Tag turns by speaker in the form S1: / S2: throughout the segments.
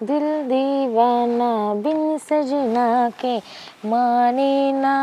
S1: दिल दीवाना बिन सजना के माने ना,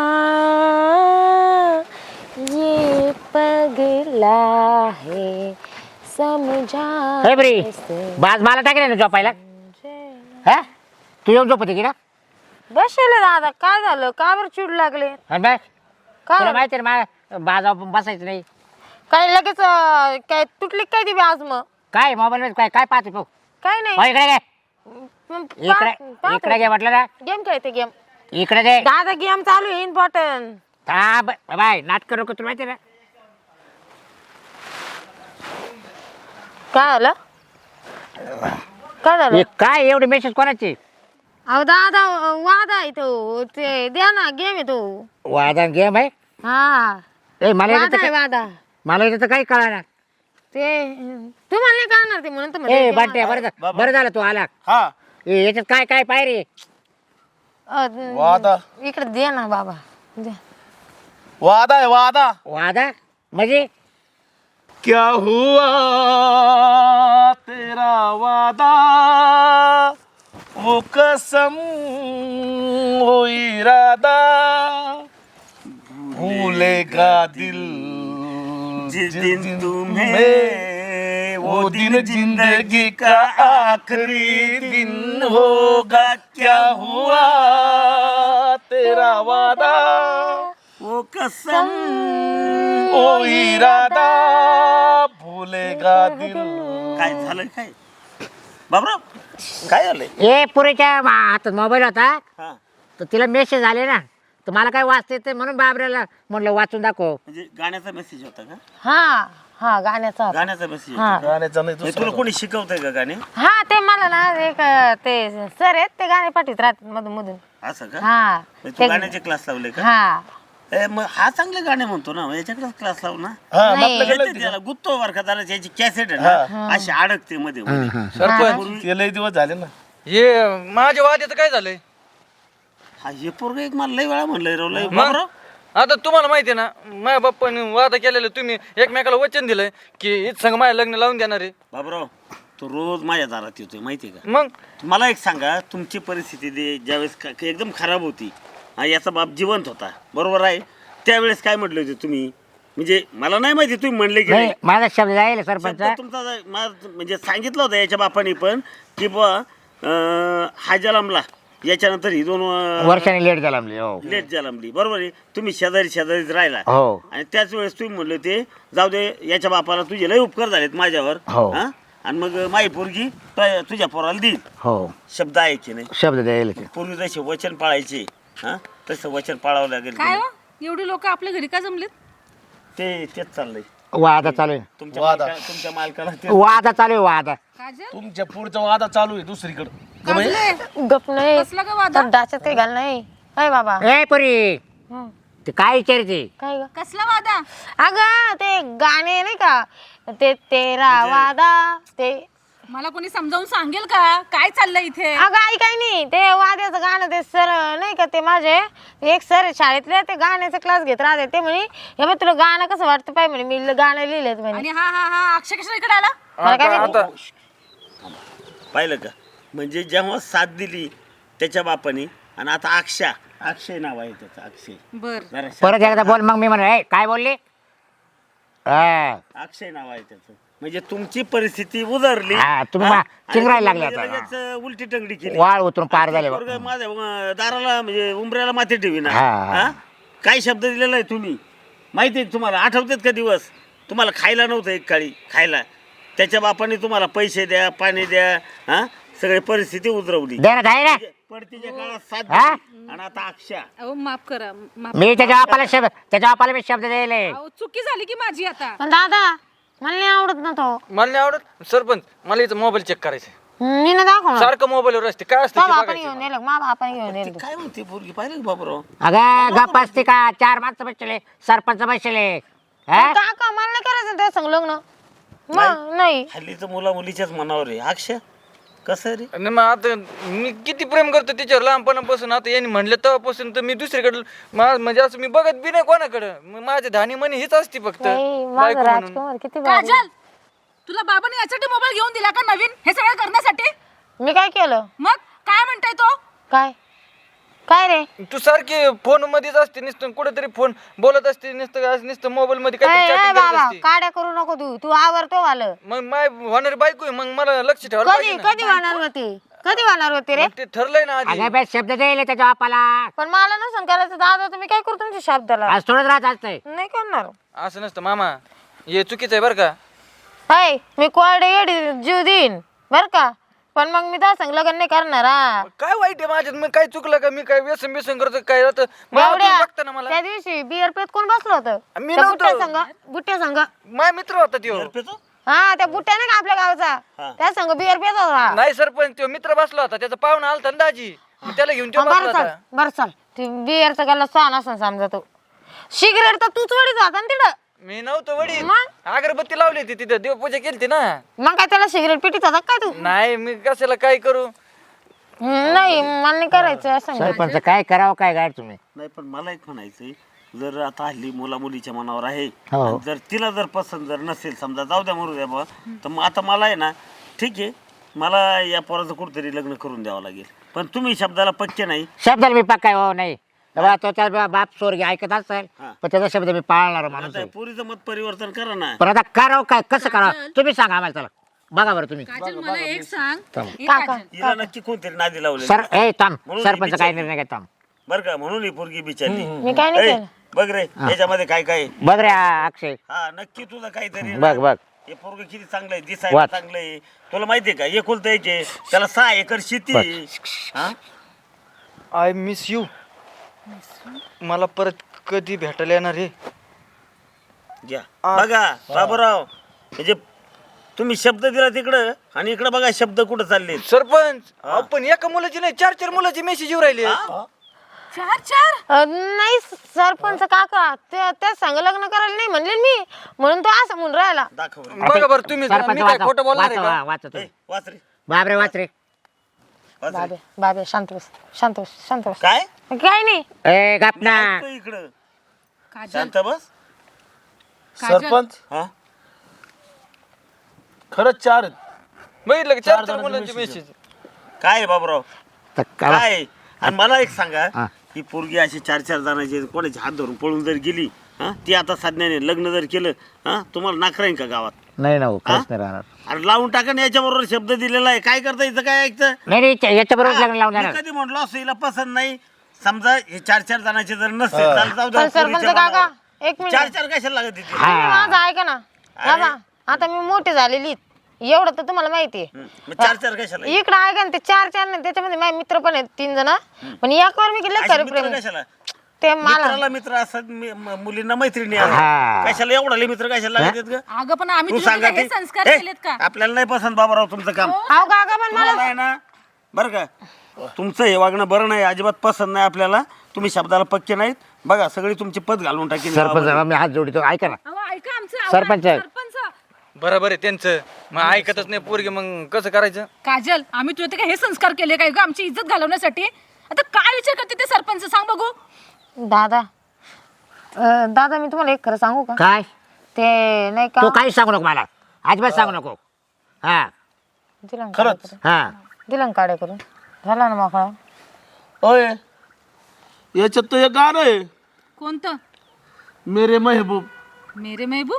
S1: ये पगला है समझा
S2: हे बरी
S1: कैसे.
S2: बाज मला टाकले ना झोपायला. हा तू येऊन झोपते की ना.
S1: बसले दादा, काय झालं, का बरं चिड लागले?
S2: आणि बाय
S1: काय
S2: तुला माहिती ना मला बाजा बसायचं नाही.
S1: काय लगेच काय तुटली काय ती आज मग?
S2: काय मोबाईल मध्ये काय काय पाहते भाऊ.
S1: काय नाही.
S2: इकडे घे इकडे इकडे घे म्हटलं ना.
S1: गेम खेळते गेम.
S2: इकडे दे
S1: दादा गेम चालू आहे इम्पॉर्टंट.
S2: हा बाय नाटक नको तुला माहिती ना.
S1: काय झालं? काय झालं?
S2: काय एवढी मेसेज कोणाची.
S1: अहो दादा वाद आहे तो, ते द्या ना, गेम आहे तो.
S2: वादा गेम आहे.
S1: हा
S2: ए मला
S1: वादा आहे वादा.
S2: मला याचं काही कळणार.
S1: ते तुम्हाला नाही कळणार ते म्हणून तर म्हणते
S2: ए
S1: game
S2: बांटे
S1: आहे.
S2: बरं झालं तू आला.
S3: हा
S2: याच्यात काय काय पाय रे.
S3: वादा
S1: इकडे दे ना बाबा द्या.
S3: वादा है वादा.
S2: वादा म्हणजे
S3: क्या हुआ तेरा वादा, वो कसम वो इरादा, भूलेगा दिल जिस दिन तुम्हें, वो दिन जिंदगी का आखिरी दिन होगा. क्या हुआ तेरा वादा, वो कसम ओ इरादा, भूलेगा दिल. काय झालं काय बाबराव, काय झालंय?
S2: ए पुरेच्या हातात मोबाईल होता
S3: हा
S2: तर तिला मेसेज आले ना, तर मला काय वाचता येते म्हणून बाबऱ्याला म्हणलं वाचून दाखव.
S3: म्हणजे गाण्याचा मेसेज होता का?
S1: हा हा गाण्याचा होता.
S3: गाण्याचा मेसेज
S1: हा.
S3: गाण्याचा नाही तुला कोणी शिकवतंय का गाणे?
S1: हा ते मला ना एक ते सर आहेत, ते गाणे पाठवत राहतात मधून मधून.
S3: असं का?
S1: हा
S3: म्हणजे
S1: ते-
S3: तू गाण्याचे क्लास लावले का?
S1: हा
S3: ए, मग हा चांगले गाणे म्हणतो ना, याच्याकडे क्लास लाव ना.
S1: नाही.
S3: येते त्याला गुत्तो वर का त्याला याची कॅसेट आहे ना अशी अडकते मध्ये मध्ये.
S4: सरपंच
S3: ते लय दिवस झाले ना.
S4: हे माझ्या वाद्याचं काय झालंय?
S3: हा हे पोरग एक मला लय वेळा म्हणलंय राव, लय
S4: मग?
S3: बाबराव.
S4: आता तुम्हाला माहिती आहे ना, माझ्या बाप्पाने वादा केलेलं, तुम्ही एकमेकाला वचन दिलंय की हीच संग माझ्या लग्न लावून देणार आहे.
S3: बाबराव तो रोज माझ्या दारात येतोय माहिती का?
S4: मग
S3: मला एक सांगा, तुमची परिस्थिती ज्यावेळेस एकदम खराब होती, हा याचा बाप जिवंत होता बरोबर आहे, त्यावेळेस काय म्हटले होते तुम्ही? म्हणजे मला नाही माहिती तुम्ही म्हणले की
S2: नाही
S3: नाही.
S2: माझा शब्द जाईल सरपंच.
S3: शब्द तुमचा म्हणजे सांगितलं होतं याच्या बापाने पण की बुवा हा जलमला याच्यानंतर ही 2
S2: वर्षाने लेट झाला म्हणजे. हो
S3: लेट जलमली बरोबर आहे. तुम्ही शेजारीच राहिला
S2: हो
S3: आणि त्याच वेळेस तुम्ही म्हणले होते जाऊ दे याच्या बापाला तुझे लय उपकार झालेत माझ्यावर.
S2: हो.
S3: हा? आणि मग माई पोरगी तुझ्या पोराला देईल.
S2: हो
S3: शब्द आहे की नाही?
S2: शब्द द्यायला ते.
S3: पूर्वी जसे वचन पाळायचे हा तसं वचन पाळावं लागेल.
S5: काय हो? एवढी लोक आपल्या घरी का जमलेत?
S3: तेच चाललंय.
S2: वादा चालू आहे.
S3: तुमच्या मालकाला ते
S2: वादा चालू आहे वादा.
S5: काजल
S6: तुमच्या पुढचा वादा चालू आहे दुसरीकडे.
S5: काजले,
S1: गप नाही,
S5: कसला का वादा?
S1: तर डाच्यात काही घाल नाही. अय बाबा
S2: ए पुरी
S1: हं.
S2: ते काय विचारते.
S1: काय ग?
S5: कसला वादा?
S1: अगं ते गाणे नाही का, ते तेरा वादा, ते
S5: मला कोणी समजावून सांगेल का काय चाललंय इथे?
S1: अगं आई काही नाही, ते वाद्याचं गाणं, ते सर नाही का, ते माझे एक सर आहे शाळेतले, ते गाण्याचा क्लास घेत राहते. ते म्हणे हे बघ तुला गाणं कसं वाटतं पाय म्हणे, मी गाणं लिहिलेत म्हणे.
S5: आणि हा हा हा अक्षय कशा इकडे आला?
S1: मला काय माहिती?
S4: आता
S3: पाहिलं का? म्हणजे जेव्हा साथ दिली त्याच्या बापाने, आणि आता अक्षय नाव आहे त्याचं, अक्षय.
S5: बर
S3: जरा
S2: परत एकदा बोल मग मी म्हणा काय बोलले. हा
S3: अक्षय नाव आहे त्याचं. म्हणजे तुमची परिस्थिती उधारली.
S2: हा, तुम्ही
S3: हा?
S2: चिंगरायला
S3: आणि
S2: लागले
S3: तुम्ही
S2: आता.
S3: लगेच उलटी टंगडी केली.
S2: वाळ उतरून पार झाले बा.
S3: पोरगं माझ्या दाराला म्हणजे उंबऱ्याला माती ठेवी ना.
S2: हा, हा.
S3: हा? काय शब्द दिलेला आहे तुम्ही माहिती आहे तुम्हाला? आठवतात का दिवस? तुम्हाला खायला नव्हतं एक काळी खायला, त्याच्या बापाने तुम्हाला पैसे द्या, पाणी द्या, हा सगळी परिस्थिती उतरवली.
S2: देण्यात आहे ना.
S3: पडतीच्या काळात साथ
S2: हा?
S3: दिली. आणि आता अक्षा
S5: अहो माफ करा, माफ.
S2: मी त्याच्या बापाला मी शब्द द्यायले.
S5: अहो चुकी झाली की माझी आता.
S1: पण दादा मला नाही आवडत ना तो.
S4: मला नाही आवडत. सरपंच मला इथं मोबाईल चेक करायचा.
S1: मी ना दाखवणार.
S4: सारखं मोबाईलवर असते, काय असतं ते
S1: बाबा आपण
S4: बघायचं.
S1: घेऊन नेलं, मा बापाने घेऊन नेलं.
S3: काय म्हणते पोरगी पाहिलं का बाबराव?
S2: अगं गप्प असते का? 4 माणसं बसले, सरपंच बसले. हा?
S1: काका मला नाही करायचं त्या संग लग्न. मग नाही.
S3: हल्ली तर मुला मुलीच्याच मनावर आहे. अक्षा कसं आहे रे?
S4: आणि मग आता मी किती प्रेम करतो तिच्यावर लहानपणापासून. आता यांनी म्हणले तेव्हापासून तर मी दुसरीकडे म्हणजे असं मी बघत बी नाही कोणाकडं. मग माझ्या धानी म्हणे हीच असती फक्त
S1: बाई, माझं
S4: बायको म्हणून.
S1: राजकुमार किती भारी.
S5: काजल, तुला बाबाने यासाठी मोबाईल घेऊन दिला का नवीन हे सगळं करण्यासाठी?
S1: मी काय केलं?
S5: मग काय म्हणताय तो?
S1: काय काय रे?
S4: तू सारखी फोन मध्येच असते नुसतं कुठेतरी फोन बोलत असते नुसतं मोबाईल मध्ये
S1: ए,
S4: काय
S1: ए,
S4: chatting करत
S1: बाबा
S4: असते.
S1: काड्या करू नको तू आवरतो आलं.
S4: मग माय होणारी बायको आहे, मग मला लक्ष ठेवायला
S1: कधी
S4: पाहिजे ना.
S1: कधी होणार होती? कधी होणार होती रे?
S4: मग ते ठरलंय ना आधी.
S2: अगं बाई शब्द द्यायला त्याच्या बापाला.
S1: पण मला नसून करायचं दादा, तुम्ही काय करू तुमच्या शब्दाला?
S2: आज थोडंच राहत असतंय.
S1: नाही करणार.
S4: असं नसतं मामा, हे चुकीचं आहे बरं का.
S1: हाय मी कोरडे येडी जीव देईन बर का, पण मग मी त्या संग लग्न नाही करणार. हा
S4: काय वाईट आहे माझ्यात? मग काय चुकलं का? मी काय व्यसन व्यसन करतो काय होतं? मला तुम्ही
S1: एवढ्या
S4: बघता ना मला.
S1: त्या दिवशी बिअर पेत कोण बसलं होतं?
S4: मी
S1: त्या
S4: नव्हतो.
S1: बुट्ट्या संघ
S4: माझा मित्र होता त्यो.
S3: पेतो?
S1: हा त्या बुट्ट्या नाही का आपल्या
S3: हा.
S1: गावचा, त्या संघ बिअर पेत होता.
S4: नाही सरपंच, त्यो मित्र बसला होता, त्याचा पाहुणा आलता ना दाजी, मग त्याला घेऊन त्यो बसला
S1: बरं चाल
S4: होता.
S1: बरं चाल, ते बिअरचा गल्ला सहा नसन समजा तो. सिगरेट तर तूच वडीत होता ना तिथं.
S4: मी नव्हतो वडील,
S1: मग?
S4: अगरबत्ती लावली होती तिथं, देवपूजा केली ना.
S1: मग काय त्याला सिगरेट पिटीत होता काय तू?
S4: नाही मी कशाला काय करू.
S1: नाही मला नाही करायचं असं.
S2: सरपंच काय करावं काय गाड तुम्ही.
S3: नाही पण मला एक म्हणायचंय, जर आता हल्ली मुला मुलीच्या मनावर आहे,
S2: हो.
S3: आणि जर तिला जर पसंत जर नसेल, समजा जाऊ द्या मरू द्या बा, तर मग आता मला आहे ना, ठीक आहे मला या पोराचं कुठेतरी लग्न करून द्यावं लागेल, पण तुम्ही शब्दाला पक्के नाही.
S2: शब्दाला मी पक्का हो नाही. तेव्हा तो त्या बाप सोरगी ऐकत असेल
S3: हा.
S2: पण त्याचा शब्द मी पाळणार माणूस
S3: आता
S2: आहे.
S3: पोरीचं मत परिवर्तन करा ना.
S2: पण आता करावं काय कसं करावं तुम्ही सांगा आम्हाला. चला बघा बरं तुम्ही.
S5: काजल मला एक सांग.
S2: थांब.
S5: ए,
S1: काका
S5: काजल,
S3: हिला नक्की कोणतरी नादी लावले
S2: सर ए थांब
S3: म्हणून
S2: सरपंच
S3: ही
S2: काय
S3: बिचारी-
S2: निर्णय घेता.
S3: बरं का, म्हणून ही पोरगी बिचारली.
S1: मी काय नाही
S3: ए,
S1: केलं.
S3: बघ रे याच्यामध्ये काय काय आहे.
S2: बघ रे अक्षय
S3: हा नक्की तुझं काहीतरी
S2: बघ बघ.
S3: हे पोरग किती चांगलं आहे, दिसायला
S2: वाच.
S3: चांगलं आहे. तुला माहितीये का, एकुलता एक आहे, त्याला 6 एकर शेती आहे. हा?
S4: I miss you. मला परत कधी भेटायला येणार हे?
S3: घ्या बघा बाबूराव, म्हणजे तुम्ही शब्द दिला तिकडं आणि इकडं बघा शब्द कुठं चालले.
S4: सरपंच आपण एका मुलाची नाही 4-4 मुलाचे मेसेज येऊ राहिले.
S5: चार
S1: नाही सरपंच काका, त्या संग लग्न करायला नाही म्हणले मी, म्हणून तो असं म्हणून राहिला.
S3: दाखव रे.
S4: बघा बरं तुम्ही,
S2: सरपंच
S4: मी काय खोटं बोलणार आहे का?
S2: वाचा
S3: ए,
S2: तुम्ही.
S3: वाच रे,
S2: बापरे वाच रे.
S3: वाच रे.
S1: बाबे बाबे शांत बस शांत बस शांत बस.
S3: काय
S1: काय नाही.
S2: ए गप
S3: मी
S2: ना.
S3: ऐकतो इकडं,
S5: काजल
S3: शांत बस.
S5: काजल.
S6: सरपंच
S3: हा
S6: खरंच 4 आहेत.
S4: बघितलं का 4-4
S6: जणांचे
S4: मुलांचे
S6: message
S4: मेसेज.
S3: काय आहे बाबूराव
S2: तर का-
S3: काय? आणि मला एक सांगा,
S2: हा.
S3: ही पोरगी अशी 4-4 जणांची कोणाचे हात धरून पळून जर गेली, हा ती आता साधण्याने लग्न जर केलं, हा तुम्हाला नाकराईन का गावात?
S2: नाही ना हो, खरंच नाही राहणार.
S3: अरे लावून टाका ना, याच्याबरोबर शब्द दिलेला आहे, काय करता इथं काय ऐकतं?
S2: नाही याच्या बरोबर लग्न लावून
S3: मी
S2: देणार.
S3: कधी म्हणलो असं हिला पसंत नाही, समजा हे 4-4 जणांचे जर नसते तर जाऊ द्या
S1: पण सरपंच
S3: पोरीच्या
S1: काका
S3: मनावर.
S1: एक मिनिट
S3: 4-4 कशाला लागत तिथे?
S2: हा.
S1: माझं ऐका ना. बाबा आता मी मोठी झालेली, एवढं तर तुम्हाला माहिती आहे.
S3: मग 4-4 कशाला?
S1: इकडं ऐका ना, ते 4 नाही, त्याच्यामध्ये माझे मित्र पण आहेत 3 जण, पण यावर मी केलं
S3: अशी
S1: खरं
S3: मित्र
S1: प्रेम.
S3: कशाला?
S1: ते मला
S3: मित्राला मित्र असतात, मुलींना मैत्रिणी
S2: हा.
S3: असतात. कशाला एवढा लय मित्र कशाला लागत ग?
S5: अगं पण आम्ही
S3: तू
S5: तुझ्या
S3: सांगा
S5: हे
S3: ते.
S5: संस्कार
S3: ए,
S5: केलेत का?
S3: आपल्याला नाही पसंत बाबाराव तुमचं काम.
S1: अहो काका पण मला
S3: तुम्हाला आहे ना, बरं का, तुमचं हे वागणं बरं नाही, अजिबात पसंत नाही आपल्याला. तुम्ही शब्दाला पक्के नाहीत. बघा सगळी तुमची पद घालून टाकी.
S2: सरपंच मी हात जोडतो ऐका ना.
S5: अहो ऐका आमचं
S2: सरपंच.
S5: सरपंच
S4: बरोबर आहे त्यांचं, मग ऐकतच नाही पोरगे, मग कसं करायचं?
S5: काजल आम्ही तुझे ते काय हे संस्कार केले काय ग आमची इज्जत घालवण्यासाठी? आता काय विचार करते ते सरपंच, सांग बघू.
S1: दादा दादा मी तुम्हाला एक खरं सांगू का?
S2: काय
S1: ते नाही का
S2: तू काही सांगू नको मला, अजिबात सांगू नको. हा
S1: दिलं
S6: खरंच
S2: हा
S1: दिलं काड्या करून झाला ना मोकळा.
S6: होय याच्यात तर एक गाणं आहे,
S5: कोणतं?
S6: मेरे महबूब.
S5: मेरे महबूब.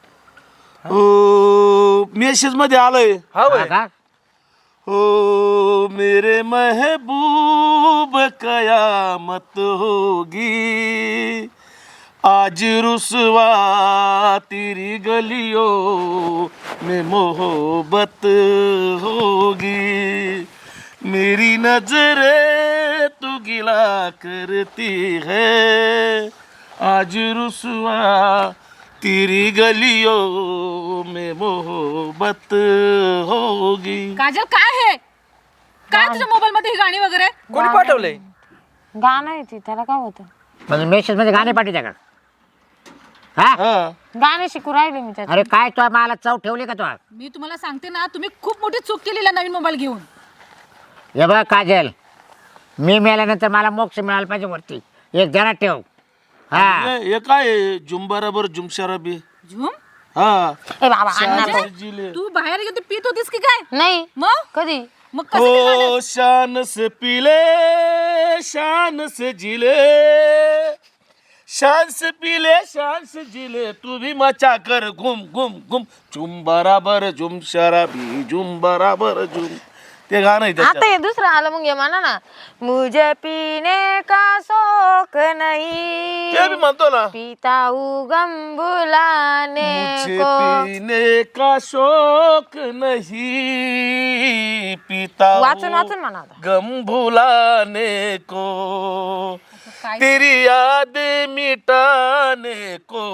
S6: हो मेसेज मध्ये आलंय.
S4: हा
S2: हा
S4: होय.
S2: का?
S6: हो मेरे महबूब कयामत होगी, आज रुसवा तेरी गलियों में मोहब्बत होगी, मेरी नजरें तू गिला करती है, आज रुसवा तेरी गलियों में मोहब्बत होगी.
S5: काजल काय हे? काय तुझ्या मोबाईल मध्ये ही गाणी वगैरे?
S4: कोणी पाठवलंय?
S1: गाणं आहे ती, त्याला काय होतं?
S2: म्हणजे मेसेज मध्ये गाणे पाठवते का? हा
S6: हा
S1: गाणे शिकू राहिले मी त्यात.
S2: अरे काय तो मला चव ठेवली का तो?
S5: मी तुम्हाला सांगते ना, तुम्ही खूप मोठी चूक केलेली आहे नवीन मोबाईल घेऊन.
S2: हे बघ काजल, मी मेल्यानंतर मला मोक्ष मिळाला पाहिजे वरती, एक ध्यानात ठेव. हा
S6: हे काय आहे? जुंबाराबर जुमशाराबी.
S5: झुम
S6: हा
S1: ए बाबा अण्णा तो.
S6: जिले.
S5: तू बाहेर गेली पित होतीस की काय?
S1: नाही
S5: मग
S1: कधी
S5: मग कसं ते गाणं?
S6: ओ शान से पीले शान से जिले शान से पीले शान से जिले तू भी मचा कर घुम घुम घुम झुम बराबर झुम शराबी झुम बराबर झुम ते गाणं आहे
S1: आता
S6: त्याच्यात.
S1: हे दुसरं आलं मग हे म्हणा ना, मुझे पीने का शौक नहीं,
S6: ते बी म्हणतो ना
S1: पीता हूँ गम भुलाने
S6: मुझे
S1: को.
S6: पीने का शौक नहीं पीता
S1: वाचून
S6: हूँ
S1: वाचून म्हणा आता.
S6: गम भुलाने को
S5: काय
S6: तेरी याद मिटाने को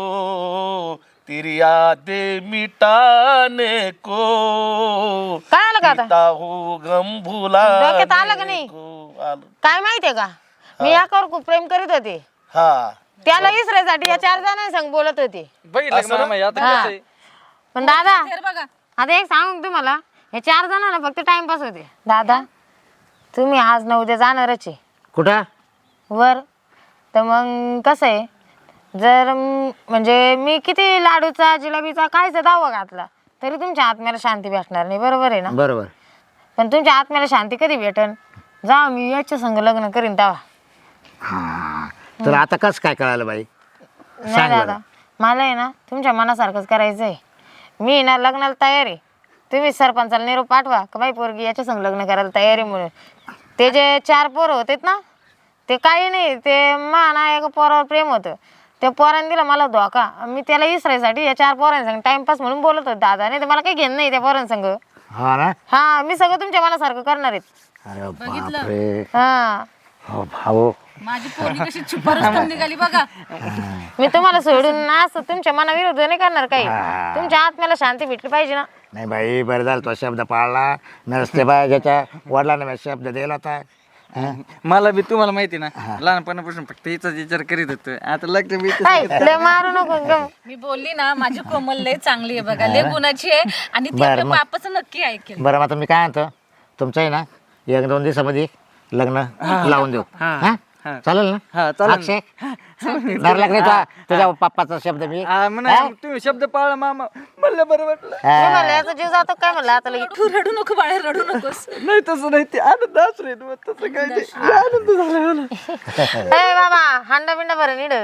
S6: तेरी याद मिटाने को
S1: काय आलं का आता?
S6: पीता हूँ गम भुलाने
S1: डोक्यात आलं का नाही?
S6: को. आलं.
S1: काय माहितीये का, मी याच्यावर खूप प्रेम करीत होते.
S6: हा
S1: त्याला विसरायसाठी या 4 जणांसंग बोलत होते.
S4: बघितलं का मामा आता
S1: हा.
S4: कसं आहे?
S1: पण दादा
S5: फेर बघा
S1: आता एक सांगू का तुम्हाला, हे 4 जणांना फक्त टाइमपास होते. दादा तुम्ही आज न उद्या जाणारच आहे
S2: कुठं
S1: वर. तर मग कसं आहे, जर म्हणजे मी किती लाडूचा जिलेबीचा कायचा दावा घातला तरी तुमच्या आत्म्याला शांती भेटणार नाही, बरोबर आहे ना?
S2: बरोबर.
S1: पण तुमच्या आत्म्याला शांती कधी भेटन, जा मी याच्या संग लग्न करीन तेव्हा.
S2: हा तर आता कसं काय कळालं बाई?
S1: नाही
S2: सांग बरं.
S1: दादा, मला आहे ना तुमच्या मनासारखंच करायचं आहे. मी ना लग्नाला तयार आहे. तुम्ही सरपंचाला निरोप पाठवा का बाई पोरगी याच्या संग लग्न करायला तयार आहे म्हणून. ते जे 4 पोरं होतेत ना, ते काही नाही, ते ना एका पोरावर प्रेम होतं. त्या पोराने दिला मला धोका. मी त्याला इसरायसाठी या 4 पोरांसंग टाइमपास म्हणून बोलत होते दादा. नाही तर मला काही घेणं नाही त्या पोरांसंग.
S2: हा ना.
S1: हा मी सगळं तुमच्या मनासारखं करणार आहेत.
S2: अरे बापरे.
S1: हा
S2: हो भाऊ.
S5: माझी पोरगी कशी छुपारुस्तम निघाली बघा.
S1: मी तुम्हाला सोडून असं तुमच्या मनाविरुद्ध नाही करणार काही. तुमच्या आत्म्याला शांती भेटली पाहिजे ना.
S2: नाही बाई बरं झालं तो शब्द पाळला. नसते बाय ज्याच्या वडिलांना मी शब्द दिला होता. हा?
S4: मला बी तुम्हाला माहिती ना लहानपणापासून फक्त हिचाच विचार करीत होतो. आता लग्न बी
S1: ऐ, लय मारू नको ग.
S5: मी बोलली ना माझी कोमल लय चांगली आहे बघा, लय गुणाची आहे आणि ती आपल्या बापाचं नक्की ऐकेल.
S2: बरं मग आता मी काय म्हणतो, तुमचं आहे ना 1-2 दिवसामध्ये लग्न लावून देऊ. हा चालेल ना?
S4: हा, चालेल.
S2: अक्षय धरला नाही तुझ्या पप्पाचा शब्द मी.
S4: म्हणा तुम्ही शब्द पाळला मामा, म्हणलं बरं वाटलं.
S1: मी म्हणलं याचा जीव जातो काय म्हणलं आता लगेच.
S5: तू रडू नको बाहेर, रडू नकोस.
S4: नाही तसं नाही, ते आनंद असू तसं काय नाही. आनंद झाला मला.
S1: ए बाबा हांडा बिंडा बरं नीड.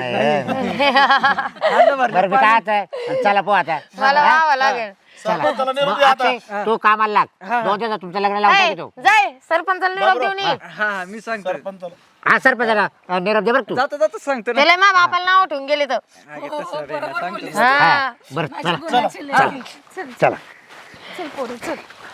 S2: बरं मी काय आता चला पो आता.
S1: मला व्हावं लागेल.
S6: सरपंचाला निरोप
S2: मग
S6: दे आता.
S2: अक्षय, तू कामाला लाग. 2 दिवसात तुमचं लग्न लावून
S1: ऐ,
S2: टाकतो.
S1: जाय सरपंचाला निरोप देऊन ये.
S4: हा मी सांगतो.
S6: सरपंचाला
S2: हा सरपंचाला निरोप दे बरं तू.
S4: जाता जाता सांगतो ना.
S1: त्याला मा बापाला नाव ठेवून गेले तर.
S4: तसं रे ना, सांगतो.
S1: हा
S2: बरं चला
S5: गुणाची लय. चल
S2: चला.
S5: चल पोरं चल.